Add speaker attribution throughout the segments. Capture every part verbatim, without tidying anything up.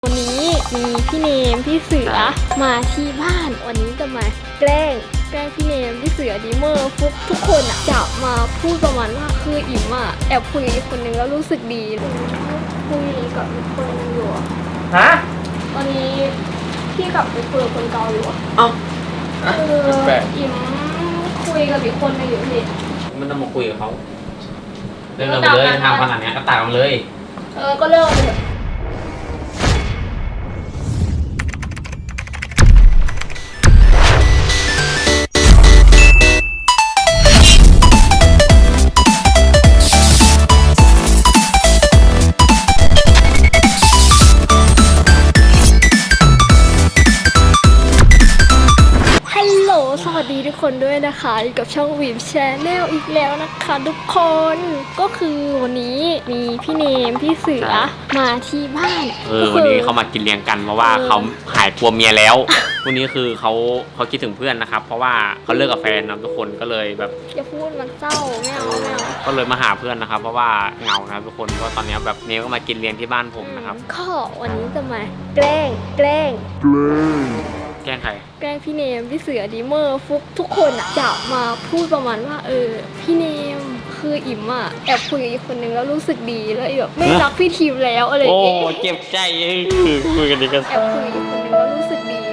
Speaker 1: วันนี้มีพี่เนมพี่เสือมาที่บ้านวันนี้จะมาแกล้งแกล้งพี่เนมพี่เสือดีเมอร์ฟุกทุกคนอ่ะจะมาพูดประมาณว่าคืออิ่มอ่ะแอบคุยกับอีกคนนึงแล้วรู้สึกดีคุยกับอีกคนนึงอยู่
Speaker 2: ฮะ
Speaker 1: ตอนนี้พี่กลับไปคุยกับคนเก่าอยู่อ่ะ
Speaker 2: เอ้า
Speaker 1: คืออิ่มคุยกับอีกคนนึงอยู่พี่
Speaker 2: มันต้องมาคุยกับเขาเลิกกันไปเลยทำขนาดนี้ก็ตัดกันเลย
Speaker 1: เออก็เลิกเลยสวัสดีทุกคนด้วยนะคะอยู่กับช่องวีมแชนแนลอีกแล้วนะคะทุกคนก็คือวันนี้มีพี่เนมพี่เสือมาที่บ้าน
Speaker 2: เออวันนี้เขามากินเลี้ยงกันเพราะว่าเขาหายกลัวเมียแล้ววันนี้คือเขาเขาคิดถึงเพื่อนนะครับเพราะว่าเขาเลิกกับแฟนนะทุกคนก็เลยแบบ
Speaker 1: อย่าพูดมันเศร้าไม่เอาไม่เอา
Speaker 2: ก็เลยมาหาเพื่อนนะครับเพราะว่าเหงานะทุกคนเพราะตอนนี้แบบเนมก็มากินเลี้ยงที่บ้านผมนะครับ
Speaker 1: ก็วันนี้จะมาแกล้งแกล้งแกล้ง
Speaker 2: แกล้งใคร
Speaker 1: แกล้งพี่เนมพี่เสือดีเมอร์ฟุกทุกคนอ่ะจะมาพูดประมาณว่าเออพี่เนมคืออิ่มอ่ะแอบคุยกับอีกคนนึงแล้วรู้สึกดีแล้วแบบไม่รักพี่ทีมแล้วอะไรอย่างเงี้ย
Speaker 2: โอ้เจ็บใจคือคุยกันดีกัน
Speaker 1: แอบคุยกับอีกคนนึงแล้วรู้สึกดี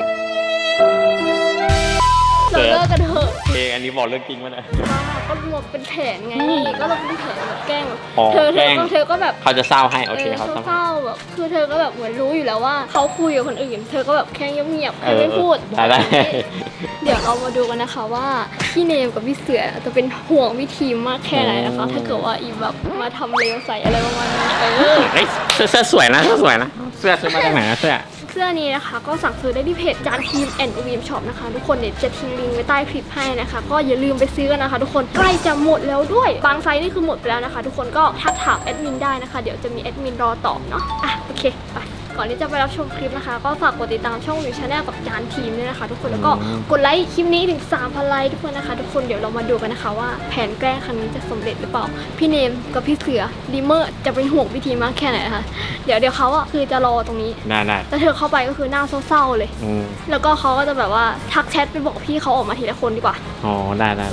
Speaker 1: เราเลิกกันเถอะ
Speaker 2: เอออันนี้บอกเรื่องจริงมั้ยเนี่ย
Speaker 1: ก็รวมเป็นแผนไงก็เราเป็นแผนแบบแกล้งเธอเธอเธอก็แบบ
Speaker 2: เขาจะเศร้าให้โอเคเขา
Speaker 1: เศร้าแบบคือเธอก็แบบเหมือนรู้อยู่แล้วว่าเขาคุยกับคนอื่นเธอก็แบบแค่เงียบๆไม่พูด
Speaker 2: ได้
Speaker 1: เดี๋ยวเรามาดูกันนะคะว่าพี่เนมกับพี่เสือจะเป็นห่วงพี่ทีมมากแค่ไหนนะคะถ้าเกิดว่าอีแบบมาทำเลวใส่อะไรประมาณนี้เออ
Speaker 2: เสื้อสวยนะเสื้อสวยนะเสื้อซื้อมาจากไหนนะเสื้อ
Speaker 1: เสื้อนี้นะคะก็สั่งซื้อได้ที่เพจจานทีมแอนด์วีมช็อปนะคะทุกคนเดี๋ยวจะทิ้งลิงก์ไว้ใต้คลิปให้นะคะก็อย่าลืมไปซื้อกันนะคะทุกคนใกล้จะหมดแล้วด้วยบางไซส์นี่คือหมดไปแล้วนะคะทุกคนก็ทักถามแอดมินได้นะคะเดี๋ยวจะมีแอดมินรอตอบเนาะอ่ะโอเคไปก่อนที่จะไปรับชมคลิปนะคะก็ฝากกดติดตามช่องวีมชาแนลกับจานทีมด้วยนะคะทุกคนแล้วก็กดไลค์คลิปนี้ถึง สามพัน ไลค์ทุกคนนะคะทุกคนเดี๋ยวเรามาดูกันนะคะว่าแผนแกล้งครั้งนี้จะสำเร็จหรือเปล่าพี่เนมกับพี่เสือดีเมอร์จะเป็นห่วงพี่ทีมากแค่ไหนนะคะเดี๋ยวเดี๋ยวเขาอ่ะคือจะรอตรงนี้
Speaker 2: ได้ได้
Speaker 1: แต่เธอเข้าไปก็คือหน้าเศร้าๆเลยแล้วก็เขาก็จะแบบว่าทักแชทไปบอกพี่เขาออกมาทีละคนดีกว่า
Speaker 2: อ๋อได้ได้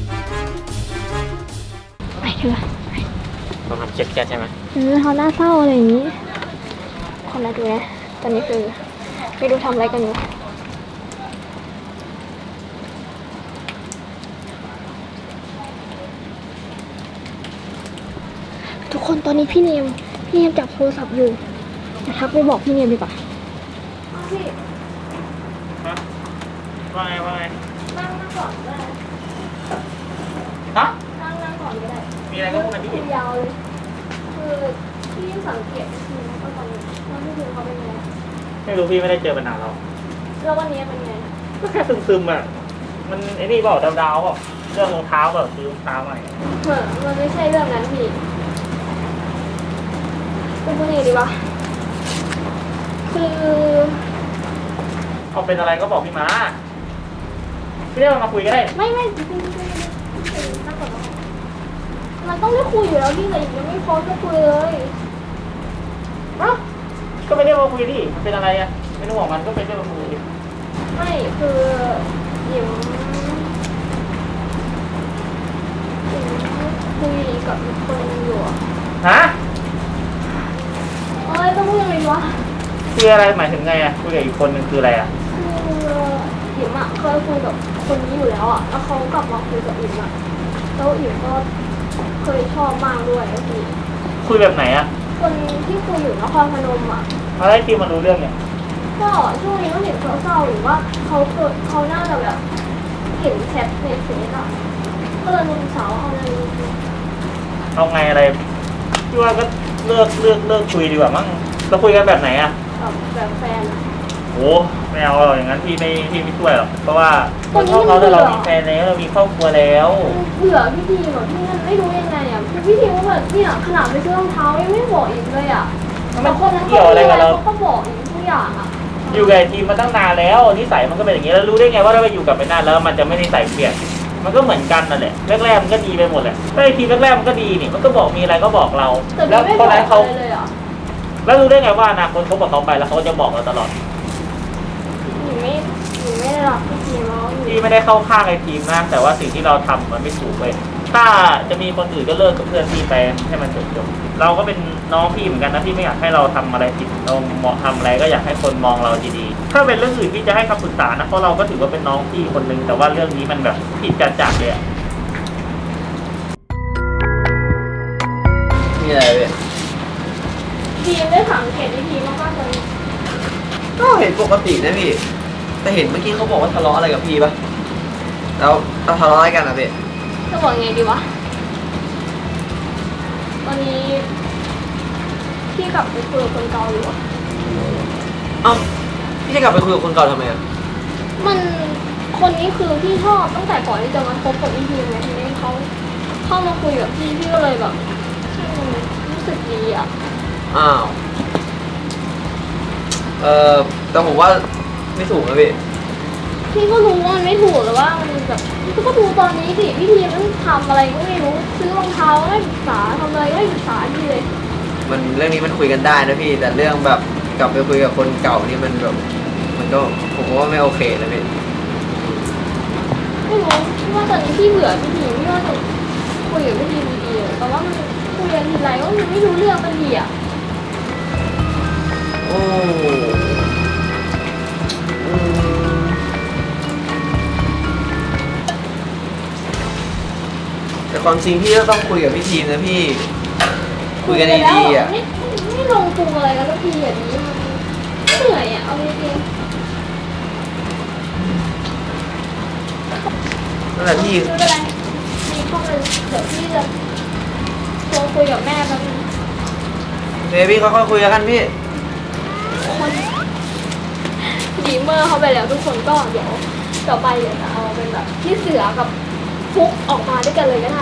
Speaker 1: ไปเถอะ
Speaker 2: ต้องทำเช็ดแก๊สใช่ไหม
Speaker 1: เออเขาหน้าเศร้าอะไรอย่างนี้คนละดูนะตอนนี้คือไม่รู้ทำอะไรกันอยู่ทุกคนตอนนี้พี่เนมพี่เนมจับโทรศัพท์อยู่ทักไปบอกพี่เนมดีกว่าพี่
Speaker 2: ว่าไงว่าไง
Speaker 1: นั่งนั่งก่อนก็ได้
Speaker 2: ฮะ
Speaker 1: นั่งนั่งก่อนก็ได้
Speaker 2: มีอะไรก็พูดกันดิ
Speaker 1: ยาวเลยคือพี่สังเกตทีแล้วก็ตอนนี้ว่าพี่คือเขาเป็นไง
Speaker 2: ไม่รู้พี่ไม่ได้เจอมานานแล้ว
Speaker 1: แล้ววันนี้เป็นไง
Speaker 2: ก็แค่ซึมๆอ่ะมันไอ้นี่บอกดาวๆอ่ะเรื่องรองเท้าแบบซื้อรองเท้าใหม่
Speaker 1: เหมือนมันไม่ใช่เรื่องนั้นพี่เป็นคนอื่นดีวะคือ
Speaker 2: เอาเป็นอะไรก็บอกพี่มาพี่เรียกมาคุยก็ได้
Speaker 1: ไม่ไม่จริงๆนั่งก่อนมันต้องได้คุยอยู่แล้วพี่แต่ยังไม่พร้อมจะคุยเลย
Speaker 2: อ้าวก็ไม่ได้มาคุยดิมันเป็นอะไรอ่ะไม่ต้องบอกมันก็เป็นเรื่องมาคุยดิ
Speaker 1: ไม่คือยิมคุยกับคนอยู่
Speaker 2: ฮะ
Speaker 1: เอ้ยต้องพูดยังไงวะ
Speaker 2: คุยอะไรหมายถึงไงอ่ะคุยกับอีกคนนึงคืออะไรอ่ะ
Speaker 1: คือยิมอ่ะเคยคุยกับคนนี้อยู่แล้วอ่ะแล้วเขากลับมาคุยกับยิมอ่ะแล้วยิมก็เคยชอบมากด้วยพี่
Speaker 2: คุยแบบไหนอ่ะ
Speaker 1: คนที่คุยอยู่นครพนมอ่ะ
Speaker 2: อะไรที่มารู้เรื่องเนี่ย
Speaker 1: ก็ช่วงนี้ก็เห็นเศร้าๆหรือว่าเขาเกิดเขาน่าจะแบบเห็นแชทในเฟซอ่ะก็เลยนุ่มสาวเอาอะไร
Speaker 2: เอาไงอะไรพี่ว่าก็เลิกเลิกเลิกคุยดีกว่ามั้งเราคุยกันแบบไหนอ่ะ
Speaker 1: แบบแฟนอ่ะ
Speaker 2: โอ้ไม่เอาหรอกอย่างนั้นพี่ไม่พี่ไม่ช่วยหรอกเพราะว่าคนเขาเขาแต่เรามีแฟนแล้วเรามีครอบครัวแล้ว
Speaker 1: เบื่อพี่ทีมแบบพี่นั่นไม่รู้ยังไงอ่ะพี่ทีมว่าแบบเนี่ยขนาดไปซื้อรองเท้ายังไม่บอกอีกเลยอ่ะ
Speaker 2: มันเกี่ยวอะไรกับเรา
Speaker 1: เขาก็บอกอีกทุกอย่างอ่ะ
Speaker 2: อยู่กับทีมมาตั้งนานแล้วนิสัยมันก็เป็นอย่างนี้แล้วรู้ได้ไงว่าเราไปอยู่กับไปนานแล้วมันจะไม่นิสัยเปลี่ยนมันก็เหมือนกันนั่นแหละแรกๆมันก็ดีไปหมดแหละไอ้ทีมแรกๆมันก็ดีนี่มันก็บอกมีอะไรก็บอกเรา
Speaker 1: แล้วคนนั้นเขา
Speaker 2: ฮ
Speaker 3: แล้วรู้ได้ไงว่าอนาคตคบกับเขาไปแล้วเขาจะบอกเราตลอด
Speaker 1: หนูไม่หนูไม่ได้รักพี่ทีมแล้วหนู
Speaker 3: พี่ไม่ได้เข้าข้างไอ้ทีมนะแต่ว่าสิ่งที่เราทำมันไม่ถูกเลยถ้าจะมีคนอื่นก็เลิกกับเพื่อนพี่ไปให้มันจบจบเราก็เป็นน้องพี่เหมือนกันนะพี่ไม่อยากให้เราทำอะไรผิดเราเหมาะทำอะไรก็อยากให้คนมองเราดีๆถ้าเป็นเรื่องอื่นพี่จะให้คำปรึกษานะเพราะเราก็ถือว่าเป็นน้องพี่คนนึงแต่ว่าเรื่องนี้มันแบบผิดจัดๆเลยอะ
Speaker 4: มีอะไรเว้ย
Speaker 1: ทีมได้สังเกตพี่ทีมมากๆเลย
Speaker 4: ก็เห็นปกตินะพี่ แต่เห็นเมื่อกี้เขาบอกว่าทะเลาะอะไรกับพี่ปะแล้วเราทะเลาะอะไรกันอะพี่
Speaker 1: จะบอกไงดีวะตอนนี้พี่กลับไปคุยกับคนเก่าอยู่อะ
Speaker 4: เอ้าพี่จะกลับไปคุยกับคนเก่าทำไมอะ
Speaker 1: มันคนนี้คือพี่ชอบตั้งแต่ก่อนที่จะมาคบกับพี่ทีมไงทีนี้เขาเข้ามาคุยกับพี่พี่ก็เลยแบบอืมรู้สึกดีอะ
Speaker 4: อ้าวเออแต่ผมว่าไม่ถูกนะพี่
Speaker 1: พี่ก็รู้ว่ามันไม่ถูกแต่ว่ามันแบบพี่ก็ดูตอนนี้สิพี่ทีมมันทำอะไรก็ไม่รู้ซื้อรองเท้าก็ไม่ศึกษาทำอะไรก็ไม่ศึกษาพี่เลย
Speaker 4: มันเรื่องนี้มันคุยกันได้นะพี่ แต่เรื่องแบบกลับไปคุยกับคนเก่านี่มันแบบมันก็ผมว่าไม่โอเคนะพี่
Speaker 1: ไม่รู้พี่ว่าตอนนี้พี่เบื่อพี่ทีมพี่ว่าจะคุยกับพี่ทีมดีๆเลยแต่ว่ามันคุยกันทีไรก็มันไม่รู้เรื่องกันดีอะ
Speaker 4: โอ้อืมแต่ความจริงพี่ก็ต้องคุยกับพี่ทีมนะพี่ คุยกันดีๆอ่ะ
Speaker 1: ไม่ไม่ลงตัวอะไรกันสักทีอย่างนี้มันเหนื่อยอ่ะเอาจริง
Speaker 4: นั่นแหละ
Speaker 1: ๆ
Speaker 4: พี่
Speaker 1: ไม่เป็นไรมีข้อมูลเดี๋ยวพี่จะโทรคุยกับแม่แป๊บนึง
Speaker 4: เบบี้ค่อยๆคุยกันพี่
Speaker 1: คนดีเมอร์เขาไปแล้วทุกคนก็เดี๋ยวต่อไปเดี๋ยวจะเอาเป็นแบบพี่เสือกับฟุกออกมาด้วยกันเลยก็ได้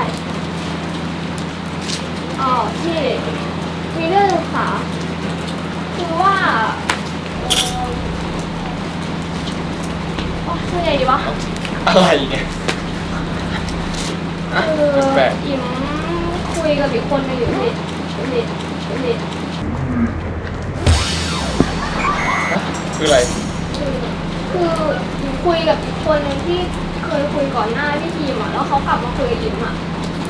Speaker 1: อ๋อที่มีเรื่องศึกษาคือว่าเอ่ออ๋อช่วยไงดีวะ
Speaker 5: อะไรเนี่ย
Speaker 1: คือ
Speaker 5: แปลก
Speaker 1: อิมคุยกับอีกคนหนึงอยู่นี่นี่นี่
Speaker 5: คืออะไร
Speaker 1: คือคืออิมคุยกับอีกคนหนึงที่เคยคุยก่อนหน้าพี่ทีมอ่ะแล้วเขากลับมาคุยกับอิมอ่ะ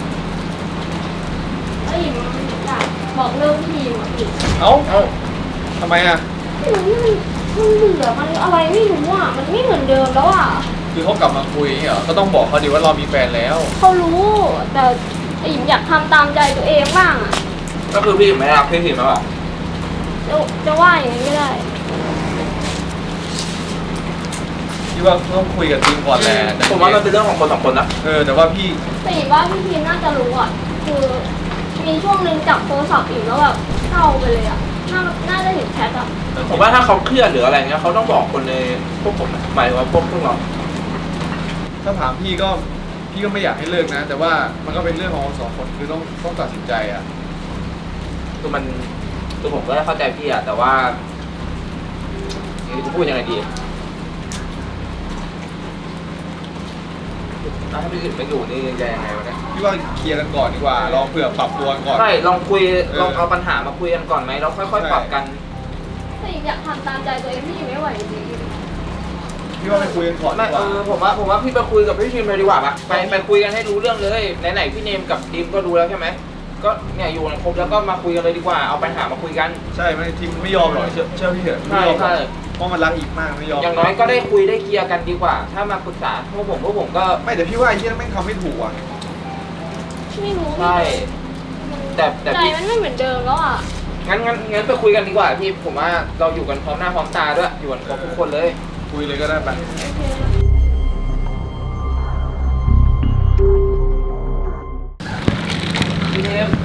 Speaker 1: แล้วอิมอยากบอกเลิกพี่ทีมอ่ะพี่
Speaker 5: เอ้าเอ้าทำไมอ่ะ
Speaker 1: ไม่รู้มันมันเบื่อมันอะไรไม่รู้อ่ะมันไม่เหมือนเดิมแล้วอ่ะ
Speaker 5: คือเขากลับมาคุยเหรอ ก็ต้องบอกเขาดิว่าเรามีแฟนแล้ว
Speaker 1: เขารู้แต่อิมอยากทำตามใจตัวเองบ้างอ่ะ
Speaker 4: ก็คือพี่ไม่รักพี่ทีมแล้วอ่ะ
Speaker 1: จะจะว่าอย่างนั้นก็ได้
Speaker 5: พี่ว่าต้องคุยกับทีมก่อนแหละแต่
Speaker 4: ผมว่ามันเป็นเรื่องของคนสองคนนะ
Speaker 5: เออ แต่ว่าพี่
Speaker 1: แต่อิมว่าพี่ทีมน่าจะรู้อ่ะคือมีช่วงหนึ่งจับโทรศัพท์อิมแล้วแบบเศร้าไปเลยอ่ะน่าน่าจะเห็นแชทอ่ะ
Speaker 6: ผมว่าถ้าเขาเครียดหรืออะไรเงี้ยเขาต้องบอกคนในพวกผมนะหมายถึงว่าพวกพวกเรา
Speaker 5: ถ้าถามพี่ก็ พี่ก็ไม่อยากให้เลิกนะ แต่ว่ามันก็เป็นเรื่องของสองคน คือต้องต้องตัดสินใจอ่ะ
Speaker 6: คือมันคือผมก็ได้เข้าใจพี่อะแต่ว่าจะพูดยังไงดีถ้าพี่อื่นไม่อยู่นี่จะยังไงวะเนี่ย
Speaker 5: พี่ว่าเคลียร์กันก่อนดีกว่า ลองเผื่อปรับตัวกันก่อน
Speaker 6: ใช่ลองคุย
Speaker 5: เออ
Speaker 6: ลองเอาปัญหามาคุยกันก่อนไหมแล้วค่อยๆปรับกัน
Speaker 1: แต่อิมอยากทำตามใจตัวเองพี่อิมไม่ไหวจริง
Speaker 5: พี่ว่าไปคุยกันก่อนดี
Speaker 6: ไม่
Speaker 5: ก
Speaker 6: เอ
Speaker 5: ว่า
Speaker 6: อผมว่าผมว่าพี่ไปคุยกับพี่ทีมเลยดีกว่าปะไปไปคุยกันให้รู้เรื่องเลยไหนๆพี่เนมกับทีมก็รู้แล้วใช่ไหมก็เนี่ยอยู่กันครบแล้วก็มาคุยกันเลยดีกว่าเอาปัญหามาคุยกัน
Speaker 5: ใช่ไม่ทีมไม่ยอมหรอกเชื่อเชื่อพี่เถอะไม่
Speaker 6: ใช่
Speaker 5: ยอมหร
Speaker 6: ใช่
Speaker 5: อกเพราะมันรักอีกมากไม่ยอม
Speaker 6: อย่างน้อยก็ได้คุยได้เคลียร์กันดีกว่า ถ้ามาปรึกษาพวกผมพวกผมก็
Speaker 5: ไม่แต่พี่ว่าไอ้ที่นั่นแม่งทำไม่ถูกอ่ะ
Speaker 1: ๆไม่รู้
Speaker 6: ใช่ แต่แต่
Speaker 1: ใจ
Speaker 6: พี่
Speaker 1: มันไม่เหมือนเดิมแล้วอ่ะ
Speaker 6: งั้นงั้นงั้นไปคุยกันดีกว่าพี่ผมว่าเราอยู่กันพร้อมหน้าพร้อมตาด้วยอยู่กันครบทุกคนเลย
Speaker 5: คุยเลยก็ได้ไป
Speaker 1: โอเค
Speaker 6: พี่เทม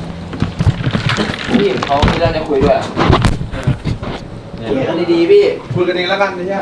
Speaker 6: พี่เขามีเรื่องจะคุยด้วยอะคุยกันดีๆพี่
Speaker 5: คุยกันเองแล้วกันไม่ใช่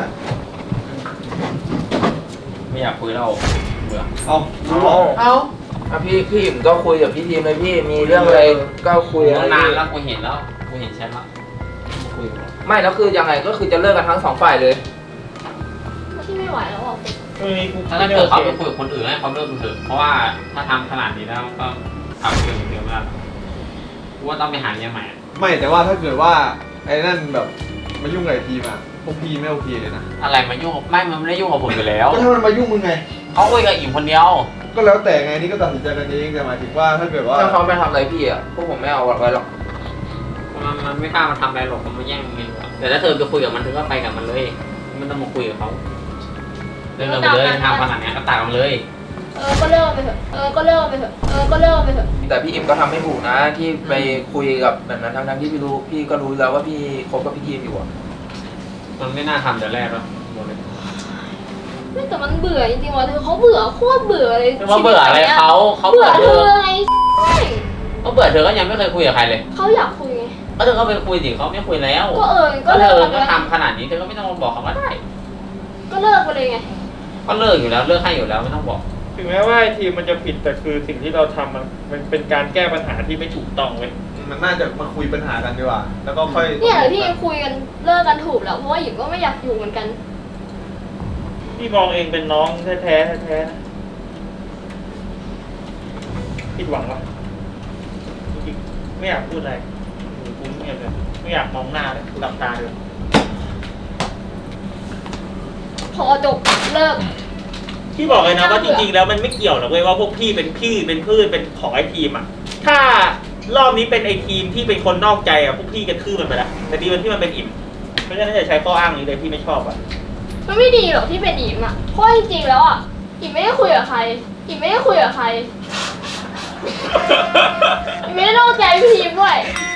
Speaker 2: ไม่อยากคุยแล้วเบื่อ
Speaker 5: เอารู้หรอ
Speaker 6: เอาอ่ะพี่พี่ผมก็คุยกับพี่ทีมเลยพี่มีเรื่องอะไรก็คุย
Speaker 2: ตั้ง
Speaker 6: น
Speaker 2: นานแล้วกูเห็นแล้วกูเห็นแชทแล้วคุยกันแล้ว
Speaker 6: ไม่แล้วคือยังไงก็คือจะเลิกกันทั้งสองฝ่ายเลย
Speaker 1: พี่ไม่ไหวแล้วอ่ะ
Speaker 3: ช่วงนี้กู
Speaker 2: ถ้าเกิดเขาไปคุยกับคนอื่นให้เขาเลิกเถอะเพราะว่าถ้าทำขนาดนี้แล้วก็ทำเกินเดิมแล้วกูว่าต้องไปหาเมียใหม่อะ
Speaker 5: ไม่แต่ว่าถ้าเกิดว่าไอ้นั่นแบบมายุ่งกับไอ้ทีมอะพวกพี่ไม่โอเคเลยนะ
Speaker 2: อะไรมายุ่งกับไม่มันไม่ได้ยุ่งกับผมอยู่แล้ว
Speaker 5: ก็ถ้ามันมายุ่งมึงไง
Speaker 2: เขาคุยกับอิ่มคนเดียว
Speaker 5: ก็แล้วแต่ไงนี่ก็ตัดสินใจกันเองแต่หมายถึงว่าถ้าเกิดว่า
Speaker 6: ถ้าเขาไม่ทำอะไรพี่อ่ะพวกผมไม่เอาไว้หรอก
Speaker 2: มันมันไม่กล้ามาทำอะไรหรอกมันมาแย่งเงินหรอกแต่ถ้าเธอไปคุยกับมันเธอก็ไปกับมันเลยไม่ต้องมาคุยกับเขาเดินไปเลยทำขนาดนี้ก็ตามมันเลย
Speaker 1: เออก็เลิกไปเถอะเออก็เลิกไปเถอะเออก็เลิกไปเถอะ
Speaker 6: แต่พี่อิมก็ทำไม่ถูกนะที่ไปคุยกับแบบนั้นทั้งๆที่พี่รู้พี่ก็รู้แล้วว่าพี่คบกับพี่ทีมอยู่อ่ะ
Speaker 2: มันไม่น่าทำแต่แรกหรอกบอกเลย
Speaker 1: ไม่แต่มันเบื่อจริงๆว่ะเธอเขาเบื่อโคตรเบื่อเลย
Speaker 2: ไม่ว่าเบื่ออะไรเขาเขา
Speaker 1: เบื่
Speaker 2: เบื่
Speaker 1: อ
Speaker 2: อ
Speaker 1: เธ
Speaker 2: เธ
Speaker 1: อ
Speaker 2: อ
Speaker 1: ไง
Speaker 2: เขาเบื่อเธอก็ยังไม่เคยคุยกับใครเลย
Speaker 1: เขาอยากคุยไง
Speaker 2: ก็เธอก็ไปคุยสิเขาไม่คุยแล้ว
Speaker 1: ก็เออก็
Speaker 2: ก็เธ
Speaker 1: เลิก
Speaker 2: อ
Speaker 1: ไป
Speaker 2: ก็
Speaker 1: เลย
Speaker 2: ทำขนาดนี้เธอก็ไม่ต้องมาบอกเขาก็ได้
Speaker 1: ก็เลิกไปเลยไง
Speaker 2: ก็เลิกอยู่แล้วเลิกให้อยู่แล้วไม่ต้องบอก
Speaker 3: ถึงแม้ว่าไอ้ทีมมันจะผิดแต่คือสิ่งที่เราทำมันมันเป็นการแก้ปัญหาที่ไม่ถูกต้องเว้ย
Speaker 5: มันน่าจะมาคุยปัญหากันดีกว่า แล้วก็ค่อย
Speaker 1: เนี่ยเดี๋ยวที่คุยกันเลิกกันถูกแล้วเพราะว่าหญิงก็ไม่อยากอยู่เหมือนกัน
Speaker 3: พี่มองเองเป็นน้องแท้ๆแท้ๆนะผิดหวังวะจริงๆไม่อยากพูดอะไรอยู่กูเงียบเลยไม่อยากมองหน้าเลยหลับตาเลย
Speaker 1: พอจบเลิก
Speaker 3: พี่บอกเลยนะว่าจริงๆแล้วมันไม่เกี่ยวหรอกเว้ยว่าพวกพี่เป็นพี่เป็นพืชเป็นของไอ้ทีมอ่ะถ้ารอบนี้เป็นไอ้ทีมที่เป็นคนนอกใจอ่ะพวกพี่กระทืบมันไปละแต่ดีมันที่มันเป็นอิ่มเพราะฉะนั้นอย่าใช้ข้ออ้างนี้เลยพี่ไม่ชอบอ่ะ
Speaker 1: มันไม่ดีหรอกที่เป็นอิมอ่ะเพราะจริงๆแล้วอ่ะอิมไม่ได้คุยกับใครอิมไม่ได้คุยกับใครอิมไม่ได้นอกใจพี่ทีมด้วย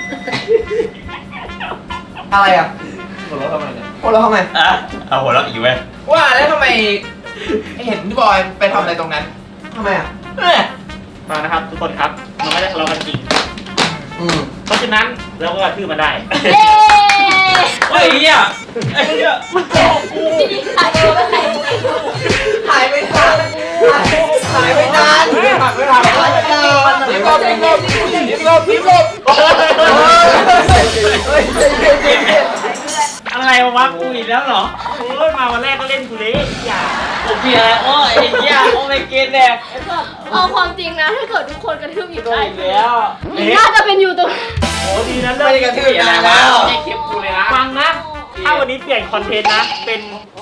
Speaker 4: อะไรอ่ะ
Speaker 6: หัวเราะทำไมเนี่ย
Speaker 4: โอ้เราทำไม
Speaker 2: อ่ะเอาหัวเราะอีกเว้ย
Speaker 6: ว่าแล้วทำไมเห็นพี่บอยไปทำอะไรตรงนั้น
Speaker 4: ทำไมอ่ะ
Speaker 6: เอ้ย
Speaker 3: มานะครับทุกคนครับมันไม่ได้ทะเลาะกันจริง
Speaker 4: อืม
Speaker 3: เพราะฉะนั้นเราก็กระทืบมันได้
Speaker 1: เย้
Speaker 2: เฮ้ยเนี่ยไอ้เนี่ย
Speaker 1: ถ่ายตัวไปไหน
Speaker 4: ถ่ายไม่ทันถ่ายไม่ทัน
Speaker 6: ไม่ทันไม่ทัน
Speaker 4: ถ่ายไม่ทัน
Speaker 6: พิมพ์ลบพิมพ์ลบพิมพ์ลบพิมพ์ลบ
Speaker 4: เฮ้ยใจเย็นใจเย็น
Speaker 3: อะไรวะกูอีกแล้วเหรอโอ้ยมาวันแรกก็เล่นกูเละอย่า
Speaker 2: ผมเพียร์โอ้ยไอ้เนี่ยโอ้ไม่เกณฑ์แดกไอ้สัส
Speaker 1: เอาความจริงนะถ้าเกิดทุกคนกระทืบอิม
Speaker 2: โดน
Speaker 1: ได้
Speaker 2: อีกแล้ว
Speaker 1: อิมน่าจะเป็นอยู่ตรง
Speaker 3: โอ้ดีนะ
Speaker 6: ไม่ได้กระทืบนานแล้ว
Speaker 2: ไอ้คลิปกูเลยนะ
Speaker 3: ฟังนะ ถ้าวันนี้เปลี่ยนคอนเทนต์นะ เป็น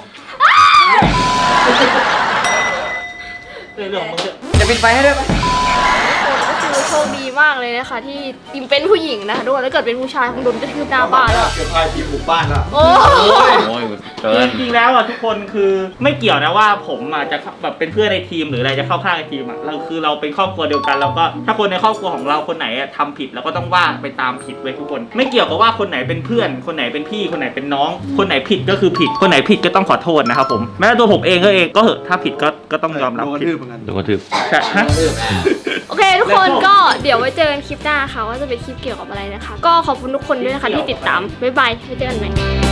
Speaker 3: เรื่องของมึงเถอะ
Speaker 6: จะปิดไฟให้ด้วยไหม
Speaker 1: ก็คือโชคดีมากเลยนะคะที่อิมเป็นผู้หญิงนะคะด้วยแล้วเกิดเป็นผู้ชายคงโดนกระทืบหน้าบ้านแล้ว
Speaker 5: เกือบพาทีมบุกบ้านแล้ว
Speaker 1: โอ้
Speaker 2: โอ้ยเกิน
Speaker 3: จริงๆแล้วอ่ะทุกคนคือไม่เกี่ยวนะว่าผมอ่ะจะแบบเป็นเพื่อนในทีมหรืออะไรจะเข้าข้างในทีมอ่ะเราคือเราเป็นครอบครัวเดียวกันเราก็ถ้าคนในครอบครัวของเราคนไหนอะทำผิดเราก็ต้องว่าไปตามผิดเว้ยทุกคน ไม่เกี่ยวกับว่าคนไหนเป็นเพื่อน คนไหนเป็นพี่คนไหนเป็นน้อง คนไหนผิดก็คือผิดคนไหนผิดก็ต้องขอโทษนะครับผมแม้แต่ตัวผมเองก็เองก็เหอะถ้าผิดก็ก็ต้องยอมรับ
Speaker 5: โดนกระ
Speaker 3: ผิด
Speaker 5: ทืบเหมือนกัน
Speaker 2: โดนกระทืบ
Speaker 3: ใช่ฮะ
Speaker 1: โอเคทุกคนก็เดี๋ยวไว้เจอกันคลิปหน้าค่ะว่าจะเป็นคลิปเกี่ยวกับอะไรนะคะ ก็ขอบคุณทุกคนด้วยนะคะที่ติดตามบ๊ายบายไว้เจอกันใหม่